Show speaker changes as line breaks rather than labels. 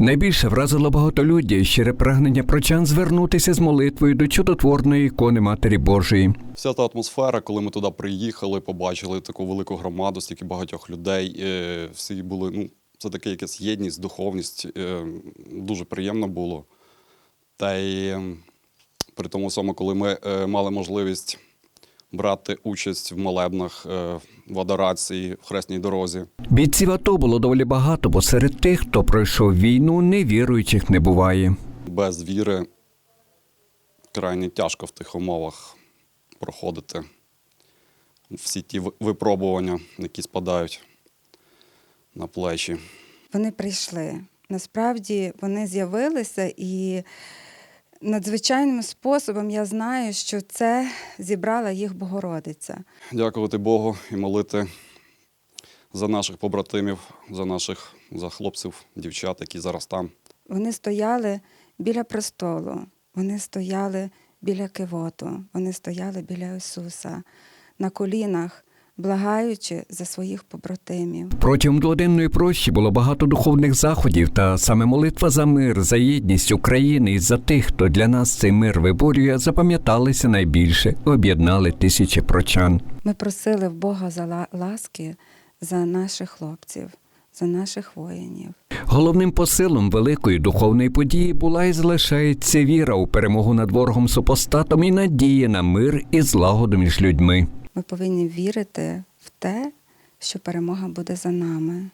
Найбільше вразило багатолюддя і щире прагнення прочан звернутися з молитвою до чудотворної ікони Матері Божої.
Вся та атмосфера, коли ми туди приїхали, побачили таку велику громаду, стільки багатьох людей, всі були, це таке якась єдність, духовність, дуже приємно було. Та й при тому самому, коли ми мали можливість брати участь в молебнах, в адорації, в хресній дорозі.
Бійців АТО було доволі багато, бо серед тих, хто пройшов війну, невіруючих не буває.
Без віри крайне тяжко в тих умовах проходити всі ті випробування, які спадають на плечі.
Вони прийшли. Насправді вони з'явилися і надзвичайним способом я знаю, що це зібрала їх Богородиця.
Дякувати Богу і молити за наших побратимів, за хлопців, дівчат, які зараз там.
Вони стояли біля престолу, вони стояли біля кивоту, вони стояли біля Ісуса, на колінах, благаючи за своїх побратимів.
Протягом дводенної прощі було багато духовних заходів, та саме молитва за мир, за єдність України і за тих, хто для нас цей мир виборює, запам'яталися найбільше, об'єднали тисячі прочан.
Ми просили в Бога за ласки за наших хлопців, за наших воїнів.
Головним посилом великої духовної події була і залишається віра у перемогу над ворогом-супостатом і надія на мир і злагоду між людьми.
Ми повинні вірити в те, що перемога буде за нами.